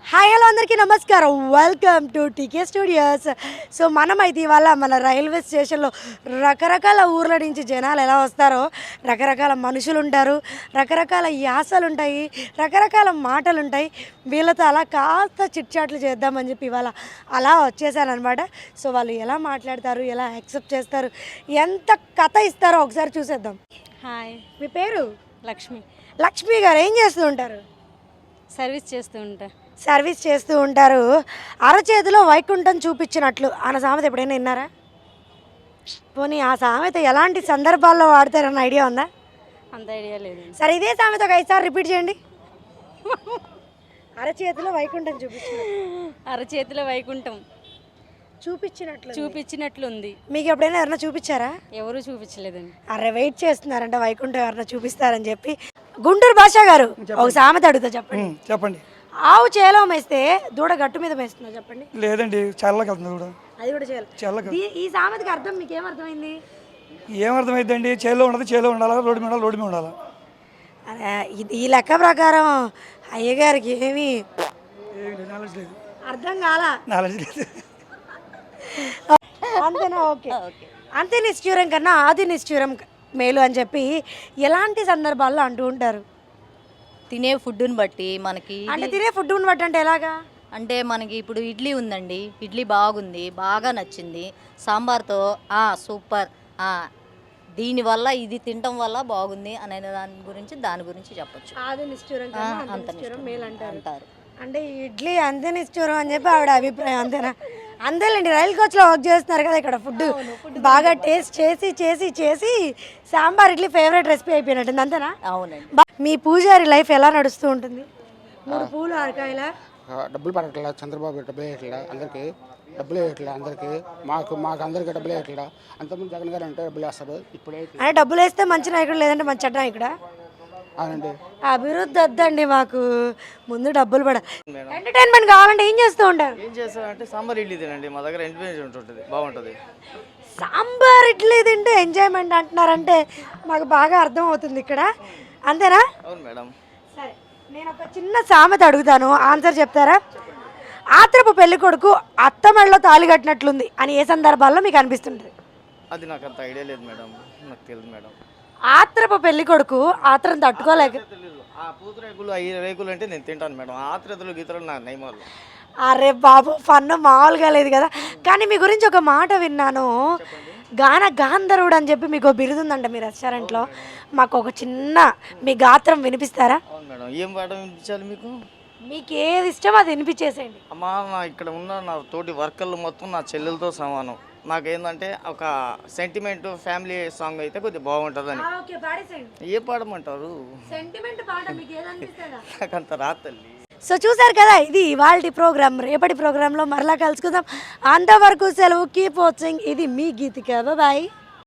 Hi hello అందరికీ నమస్కారం. Welcome to TK studios. So మనమైతే ఇవాళ మన రైల్వే స్టేషన్లో రకరకాల ఊర్ల నుంచి జనాలు ఎలా వస్తారో, రకరకాల మనుషులు ఉంటారు, రకరకాల యాసలు ఉంటాయి, రకరకాల మాటలు ఉంటాయి. వీళ్ళతో అలా కాస్త చిట్చాట్లు చేద్దామని చెప్పి ఇవాళ అలా వచ్చేసాను అనమాట. సో వాళ్ళు ఎలా మాట్లాడతారు, ఎలా యాక్సెప్ట్ చేస్తారు, ఎంత కథ ఇస్తారో ఒకసారి చూసేద్దాం. హాయ్, మీ పేరు? లక్ష్మి. లక్ష్మి గారు ఏం చేస్తూ ఉంటారు? సర్వీస్ చేస్తూ ఉంటా. సర్వీస్ చేస్తూ ఉంటారు. అరచేతిలో వైకుంఠం చూపించినట్లు అన్న సామెత ఎప్పుడైనా విన్నారా? పోనీ ఆ సామెత ఎలాంటి సందర్భాల్లో వాడతారన్న ఐడియా ఉందా? అంత ఐడియా లేదు. సరే, ఇదే సామెత ఒక 5 సార్లు రిపీట్ చేయండి. అరచేతిలో వైకుంఠం అరచేతిలో వైకుంఠం చూపించినట్లు ఉంది. మీకు ఎప్పుడైనా ఎవరైనా చూపించారా? ఎవరు చూపించలేదండి. అరే వెయిట్ చేస్తున్నారంట వైకుంఠం ఎవరైనా చూపిస్తారని చెప్పి. గుంటూరు భాష గారు ఒక సామెత అడుగుతా, చెప్పండి. ఆవు చేలో మేస్తే దూడ గట్టు మీద మేస్తుందా చెప్పండి? లేదండి, చల్లకి వెళ్తుంది కూడా. అది కూడా చేయాలి. ఈ సామెతకి అర్థం మీకు ఏమర్థమైంది? ఏమర్థమైందండి? చేలో ఉండదు, చేలో ఉండాలా, రోడ్డు మీద రోడ్డు మీద ఉండాలా. ఈ లెక్క ప్రకారం అయ్యగారికి ఏమీ నాలెడ్జ్ లేదు, అర్థం కాలా. నాలెడ్జ్ లేదు. అంతేనా? ఓకే. అంతే నిష్ఠూరం కన్నా ఆది నిష్ఠూరం మేలు అని చెప్పి ఎలాంటి సందర్భాల్లో అంటూ ఉంటారు? తినే ఫుడ్ని బట్టి మనకి అంటే తినే ఫుడ్ని బట్టి అంటే ఎలాగా? అంటే మనకి ఇప్పుడు ఇడ్లీ ఉందండి, ఇడ్లీ బాగుంది, బాగా నచ్చింది, సాంబార్తో సూపర్, దీనివల్ల ఇది తినటం వల్ల బాగుంది అనే దాని గురించి చెప్పచ్చు. ఆది నిష్ఠూరం మేలు అంటారు. అంటే ఇడ్లీ అంతే నిష్ఠూరం అని చెప్పి ఆవిడ అభిప్రాయం, అంతేనా? అంతేలేండి, రైల్ కోచ్లో వర్క్ చేస్తున్నారు కదా, ఇక్కడ ఫుడ్ బాగా టేస్ట్ చేసి సాంబార్ ఇడ్లీ ఫేవరెట్ రెసిపీ అయిపోయినట్టుంది, అంతేనా? అవునండి. మీ పూజారి లైఫ్ ఎలా నడుస్తూ ఉంటుంది? 3 పూలు అరకాయల డబ్బులు పడట్లా, చంద్రబాబు డబ్బులు వేయట్లా, అందరికీ డబ్బులు వేయట్లా, అందరికీ మాకు అందరికీ డబ్బులు వేయట్లా. అంతకుముందు జగన్ గారు అంటే డబ్బులు వేస్తారు, ఇప్పుడే అంటే డబ్బులు వేస్తే మంచి నాయకుడు, లేదంటే మంచి చెడ్డ నాయకుడా? అవునండి. అభివృద్ధి వద్దండి మాకు, ముందు డబ్బులు పడ. ఎంటర్టైన్మెంట్ కావాలంటే ఏం చేస్తూ ఉంటారు? ఏం చేస్తారంటే సాంబార్ ఇడ్లీ తినండి, మా దగ్గర ఎంటర్టైన్మెంట్ ఉంటుంది, బాగుంటుంది. సాంబార్ ఇడ్లీ తింటే ఎంజాయ్మెంట్ అంటున్నారంటే మాకు బాగా అర్థం అవుతుంది ఇక్కడ, అంతేనా? అవును మేడం. సరే, నేను ఒక చిన్న సామెత అడుగుతాను, ఆన్సర్ చెప్తారా? ఆత్రపు పెళ్లి కొడుకు అత్తమెళ్ళలో తాళి కట్టినట్లుంది అని ఏ సందర్భాల్లో మీకు అనిపిస్తుంటుంది? అది నాకు అంత ఐడియా లేదు మేడం, నాకు తెలియదు మేడం. ఆత్రపు పెళ్లి కొడుకు ఆత్రం తట్టుకోలేక, తెలియదు. ఆ పూతరేకులు 5 రేకులు అంటే నేను తింటాను మేడం, ఆత్రతలు గీతలు నా నయమాలు. అరే బాబు, ఫన్ మామూలుగా లేదు కదా. కానీ మీ గురించి ఒక మాట విన్నాను, గాంధర్వుడు అని చెప్పి మీకు బిరుదుందంట మీ రెస్టారెంట్లో. మాకు ఒక చిన్న మీ గాత్రం వినిపిస్తారా? అవును మేడం. ఏం పాట వినిపించాలి మీకు? మీకు ఏది ఇష్టమో అది వినిపించేసేయండి. అమ్మా, నా ఇక్కడ ఉన్న నా తోటి వర్కర్లు మొత్తం నా చెల్లెలతో సమానం. నాకేందంటే ఒక సెంటిమెంట్ ఫ్యామిలీ సాంగ్ అయితే కొద్దిగా బాగుంటుందని. ఏ పాడమంటారు? నాకు అంత రాతల్లి. సో చూసారు కదా, ఇది ఇవాల్టి ప్రోగ్రామ్. రేపటి ప్రోగ్రాంలో మరలా కలుసుకుందాం. అంతవరకు సెలవు. Keep watching. ఇది మీ గీతిక. బాయ్.